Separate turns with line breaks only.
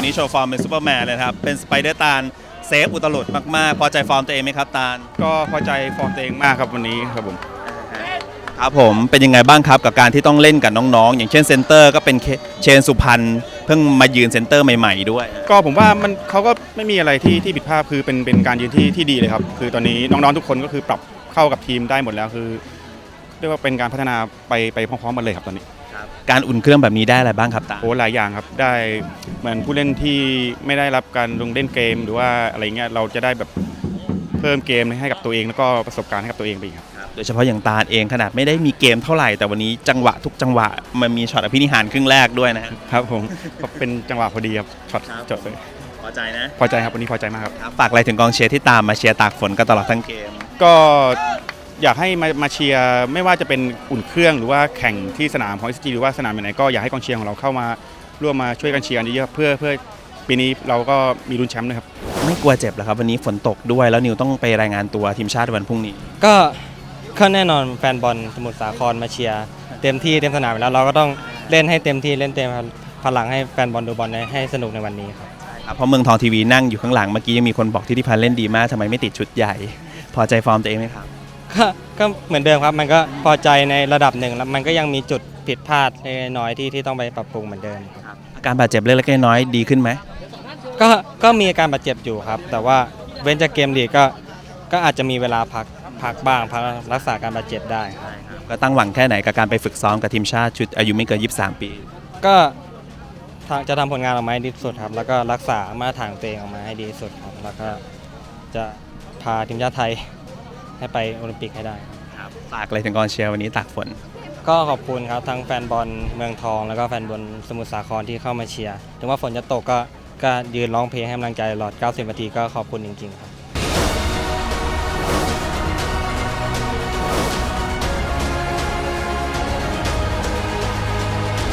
นี้โชว์ฟอร์มเป็นซูเปอร์แมนเลยครับเป็นสไปเดอร์ตาลเซฟอุตลุดมากๆพอใจฟอร์มตัวเองไหมครับตาล
ก็พอใจฟอร์มตัวเองมากครับวันนี้ครับผม
ครับผมเป็นยังไงบ้างครับกับการที่ต้องเล่นกับน้องๆอย่างเช่นเซนเตอร์ก็เป็นเชนสุพรรณเพิ่งมายืนเซนเตอร์ใหม่ๆด้วย
ก็ผมว่าเขาก็ไม่มีอะไรที่ผิดพลาดคือเป็นการยืนที่ดีเลยครับคือตอนนี้น้องๆทุกคนก็คือปรับเข้ากับทีมได้หมดแล้วคือเรียกว่าเป็นการพัฒนาไปพร้อมๆกันเลยครับตอนนี้
การอุ่นเครื่องแบบนี้ได้อะไรบ้างครับตา
โอ้หลายอย่างครับได้เหมือนผู้เล่นที่ไม่ได้รับการลงเล่นเกมหรือว่าอะไรเงี้ยเราจะได้แบบเพิ่มเกมให้กับตัวเองแล้วก็ประสบการณ์ให้กับตัวเองไปครับ
โดยเฉพาะอย่างตาลเองขนาดไม่ได้มีเกมเท่าไหร่แต่วันนี้จังหวะทุกจังหวะมันมีช็อตอภินิหารครึ่งแรกด้วยนะครับ
ผมก็เป็นจังหวะพอดีครับช็อตจดเลย
พอใจนะ
พอใจครับวันนี้พอใจมากครับ
ฝากอะไรถึงกองเชียร์ที่ตามมาเชียร์ตากฝนกันตลอดทั้งเกม
ก็อยากให้มาเชียร์ไม่ว่าจะเป็นอุ่นเครื่องหรือว่าแข่งที่สนามของ SCG หรือว่าสนามไหนก็อยากให้กองเชียร์ของเราเข้ามาร่วมมาช่วยกันเชียร์เยอะๆเพื่อปีนี้เราก็มีลุ้นแชมป์นะครับ
ไม่กลัวเจ็บเหรอครับวันนี้ฝนตกด้วยแล้วนิวต้องไปรายงานตัวทีมชาติวันพรุ่งนี้
ก็แน่นอนแฟนบอลสมุทรสาครมาเชียร์เต็มที่เต็มสนามแล้วเราก็ต้องเล่นให้เต็มที่เล่นเต็มพลังให้แฟนบอลดูบอลให้สนุกในวันนี้ครับ
เพราะเมืองทองทีวีนั่งอยู่ข้างหลังเมื่อกี้ยังมีคนบอกที่พันธ์เล่นดีมากทำไมไม่ติดชุดใหญ่พอใจฟอร์มตัวเองไหมครับ
ก็เหมือนเดิมครับมันก็พอใจในระดับหนึ่งแล้วมันก็ยังมีจุดผิดพลาดน้อยที่ต้องไปปรับปรุงเหมือนเดิมครับ
อาการบาดเจ็บเล็กๆน้อยๆดีขึ้นไหม
ก็มีอาการบาดเจ็บอยู่ครับแต่ว่าเว้นจากเกมลีกก็อาจจะมีเวลาพักบ้างพักรักษาการบาดเจ็บได้
ก็ตั้งหวังแค่ไหนกับการไปฝึกซ้อมกับทีมชาติชุดอายุไม่เกิน23 ปี
ก็จะทำผลงานออกมาให้ดีที่สุดครับแล้วก็รักษามาตรฐานตัวเองออกมาให้ดีที่สุดครับแล้วก็จะพาทีมชาติไทยให้ไปโอลิมปิกให้ได้
ครับฝากอะไรถึงกองเชียร์วันนี้ตากฝน
ก็ขอบคุณครับทั้งแฟนบอลเมืองทองแล้วก็แฟนบอลสมุทรสาครที่เข้ามาเชียร์ถึงว่าฝนจะตกก็ยืนร้องเพลงให้กำลังใจตลอด90 นาทีก็ขอบคุณจริงๆครับ